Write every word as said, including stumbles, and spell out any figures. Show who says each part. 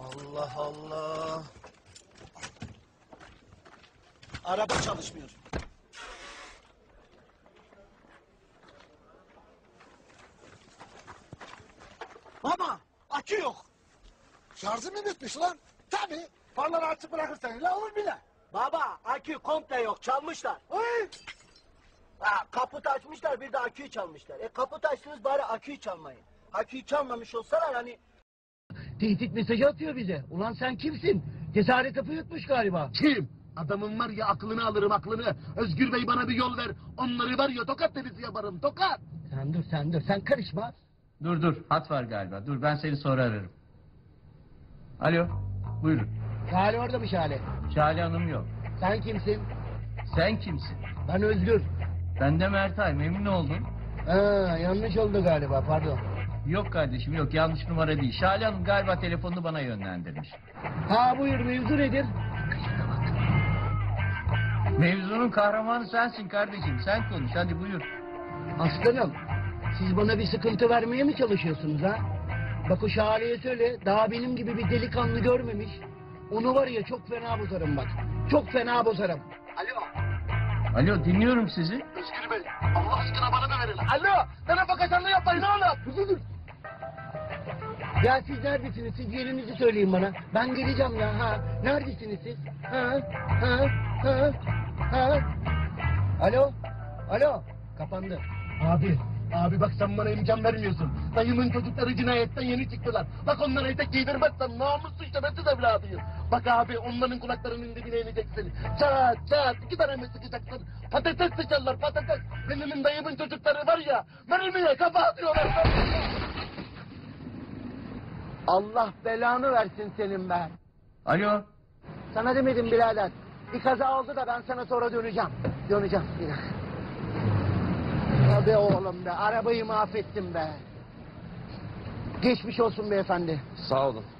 Speaker 1: Allah Allah. Araba çalışmıyor. Baba, akü yok.
Speaker 2: Şarjı mı bitmiş lan? Tabii. Farları açık bırakırsan öyle olur bile.
Speaker 1: Baba, akü komple yok, çalmışlar.
Speaker 2: Oy!
Speaker 1: Ha, kaput açmışlar, bir de aküyü çalmışlar. E kaput açtınız bari aküyü çalmayın. Aküyü çalmamış olsalar hani...
Speaker 3: Tehdit mesajı atıyor bize. Ulan sen kimsin? Cesaret kapı yutmuş galiba.
Speaker 4: Kim? Adamın var ya aklını alırım aklını. Özgür Bey bana bir yol ver. Onları var ya tokat denizi yaparım tokat.
Speaker 3: Sen dur sen dur sen karışma.
Speaker 5: Dur dur hat var galiba. Dur ben seni sonra ararım. Alo buyurun.
Speaker 3: Şale orada mı Şale?
Speaker 5: Şale Hanım yok.
Speaker 3: Sen kimsin?
Speaker 5: Sen kimsin?
Speaker 3: Ben Özgür.
Speaker 5: Ben de Mertay, memnun oldum.
Speaker 3: Ha, yanlış oldu galiba pardon.
Speaker 5: Yok kardeşim yok, yanlış numara değil. Şale Hanım galiba telefonunu bana yönlendirmiş.
Speaker 3: Ha buyur mevzu nedir?
Speaker 5: Mevzunun kahramanı sensin kardeşim. Sen konuş hadi buyur.
Speaker 3: Aslanım siz bana bir sıkıntı vermeye mi çalışıyorsunuz ha? Bak o Şale'ye söyle daha benim gibi bir delikanlı görmemiş. Onu var ya çok fena bozarım bak. Çok fena bozarım. Alo.
Speaker 5: Alo dinliyorum sizi.
Speaker 4: Özgür Bey Allah aşkına bana da verin. Alo bana bakacanlığı yapmayın oğlum.
Speaker 3: Dur dur dur. Ya siz neredesiniz? Siz yerinizi söyleyin bana. Ben geleceğim ya. Ha. Neredesiniz siz? Ha? Ha? Ha? Ha? Alo? Alo? Kapandı.
Speaker 4: Abi abi bak sen bana imkan vermiyorsun. Dayımın çocukları cinayetten yeni çıktılar. Bak onlara etek giydirmezsen namussuz şerefsiz evladıyım. Bak abi onların kulaklarının dibine ineceksin. Çat çat iki tane mi sıkacaksın? Patates sıçarlar patates. Benim dayımın çocukları var ya mermiye kafa atıyorlar.
Speaker 3: Allah belanı versin senin be.
Speaker 5: Alo.
Speaker 3: Sana demedim birader. Bir kaza oldu da ben sana sonra döneceğim. Döneceğim. Bir dakika. Ya be oğlum be. Arabayı mahvettim be. Geçmiş olsun beyefendi.
Speaker 6: Sağ olun.